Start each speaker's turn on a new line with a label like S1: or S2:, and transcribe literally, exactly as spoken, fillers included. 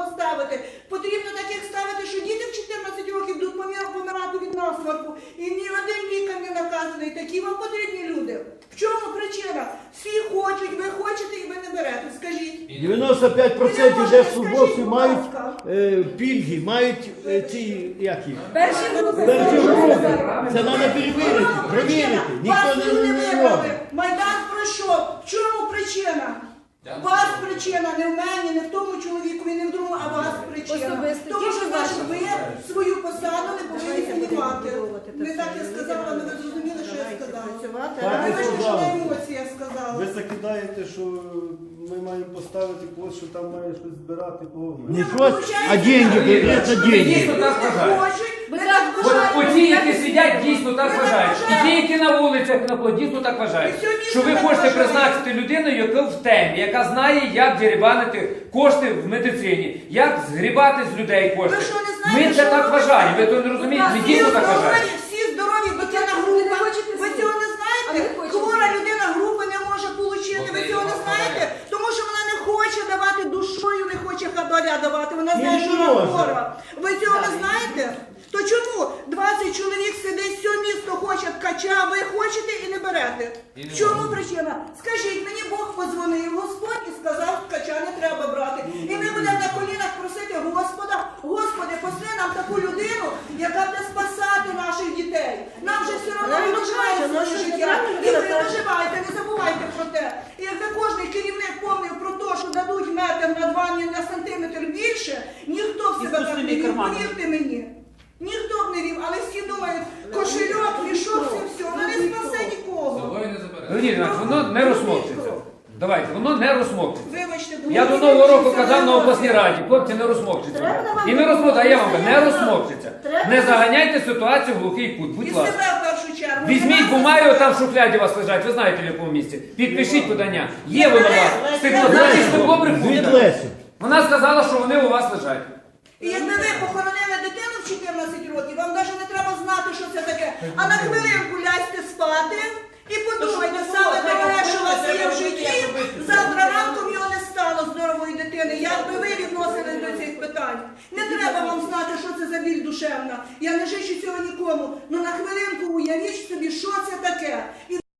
S1: поставити. Потрібно таких ставити, що діти в чотирнадцять років будуть помирати від насморку. І ні один лікар не наказаний. Такі вам потрібні люди. В чому причина? Всі хочуть, ви хочете і ви не берете. Скажіть.
S2: дев'яносто п'ять відсотків держслужбовців мають е, пільги, мають е, ці, як їх?
S3: Перші групи.
S2: Перші групи. Це треба перевірити, перевірити. Ніхто
S1: Вас
S2: не,
S1: люди
S2: не
S1: вибрали.
S2: робить.
S1: Майдан пройшов. В чому причина? Вас причина, не в мені, не в тому чоловікові, не в другому, а вас причина.
S3: Особисто.
S1: Тому що,
S3: Тільки
S1: значить, ви
S3: ваша.
S1: свою посаду не повинні займати. Не так я сказала, але ви зрозуміли, що я сказала.
S2: Так,
S1: Ви
S2: ви
S1: вибачте, що
S2: сказали.
S1: на емоціях сказала.
S4: Ви закидаєте, що ми маємо поставити когось, що там має щось збирати, кого ми.
S2: Не щось, а деньги, конкретно деньги.
S5: Дійсно так вважають.
S1: Хочуть,
S3: Ви
S1: ви
S3: так
S1: так
S5: От
S1: вважаєте.
S5: оті, які сидять, дійсно так
S1: Ви так
S5: вважають. І ті,
S1: вважаєте.
S5: які на вулицях на плоді, дійсно так вважають.
S1: І сьогодні
S5: Що ви
S1: так
S5: хочете
S1: вважають.
S5: призначити людину, яка в темі, яка знає, як дерибанити кошти в медицині, як згрібати з людей кошти.
S1: Ви що, не знаєте,
S5: Ми це
S1: що
S5: так
S1: робиться?
S5: вважаємо. Ви то не розумієте, ми
S1: Всі
S5: дійсно так
S1: здорові,
S5: вважаємо.
S1: всі здорові, дитина
S3: Ви
S1: група.
S3: не хочете
S1: Ви
S3: слухати.
S1: цього не
S3: А
S1: знаєте?
S3: ми хочемо
S1: Хвора
S3: слухати.
S1: людина групи не може отримати. Ви цього не знаєте? Тому що вона не хоче давати душою, не хоче хабаря давати. Вона знає,
S2: Не
S1: що вона
S2: може.
S1: хвора. Ви цього не знаєте? То чому двадцять чоловік сидить, все місто хоче ткача, ви хочете і не берете? В чому причина? Скажіть, мені Бог подзвонив, Господь, і сказав, ткача не треба брати. І ми будемо на колінах просити Господа, Господи, посли нам таку людину, яка буде спасати наших дітей. Нам же все одно не доживається наше життя. І ви не доживаєте, не забувайте про те. І якби кожен керівник помнив про те, що дадуть метр на два, ні на сантиметр більше, ніхто в себе так не вів, повірте мені. Ніхто б не вів, але всі думають, кошельок, мішок, все, все, воно не спасе нікого.
S5: Леонід Іванович, воно не розмовчиться. Давайте, воно не розмовчиться.
S1: Вибачте,
S5: Я до Нового року казав на обласній раді, хлопці, не розмовчиться. І не розмовчиться, а я вам кажу, не розмовчиться. Не заганяйте ситуацію в глухий кут,
S1: І
S5: будь
S1: себе
S5: ласка.
S1: в першу чергу.
S5: Візьміть бумагу, там в шухляді у вас лежать, ви знаєте в якому місці. Підпишіть подання. Є воно у вас. Стекло, знаєте, стекло
S2: Від
S5: брехунка.
S2: Лесю.
S5: Вона сказала, що вони у вас лежать.
S1: І якби ви похоронили дитину в чотирнадцять років, вам навіть не треба знати, що це таке. А на хвилинку ляжте спати і подумайте, саме дороге, що у вас є в житті, завтра ранком його не стало здорової дитини. Як би ви відносились до цих питань? Не треба вам знати, що це за біль душевна. Я не жичу цього нікому. Ну на хвилинку уявіть собі, що це таке. І